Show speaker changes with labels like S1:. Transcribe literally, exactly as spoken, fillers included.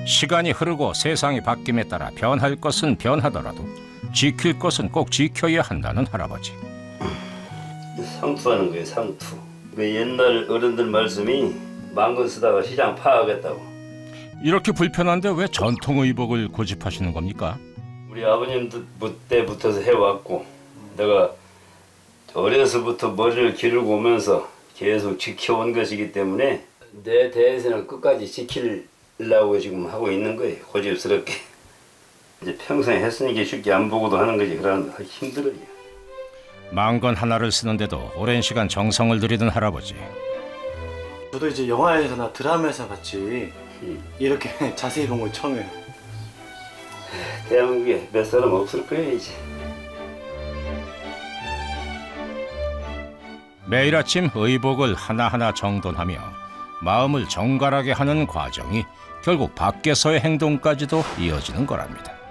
S1: 시간이 흐르고 세상이 바뀜에 따라 변할 것은 변하더라도 지킬 것은 꼭 지켜야 한다는 할아버지.
S2: 상투하는 거예요, 상투. 그 옛날 어른들 말씀이 망건 쓰다가 시장 파하겠다고.
S1: 이렇게 불편한데 왜 전통 의복을 고집하시는 겁니까?
S2: 우리 아버님 때부터 해왔고 내가 어려서부터 머리를 기르고 오면서 계속 지켜온 것이기 때문에 내 대에서는 끝까지 지키려고 지금 하고 있는 거예요. 고집스럽게. 이제 평생 했으니까 쉽게 안 보고도 하는 거지. 그러면 힘들어요.
S1: 망건 하나를 쓰는데도 오랜 시간 정성을 들이던 할아버지.
S3: 저도 이제 영화에서나 드라마에서 봤지
S2: 음.
S3: 이렇게 자세히 본 건 처음이에요.
S2: 대한민국에 몇 사람 없을 거예요 이제.
S1: 매일 아침 의복을 하나하나 정돈하며 마음을 정갈하게 하는 과정이 결국 밖에서의 행동까지도 이어지는 거랍니다.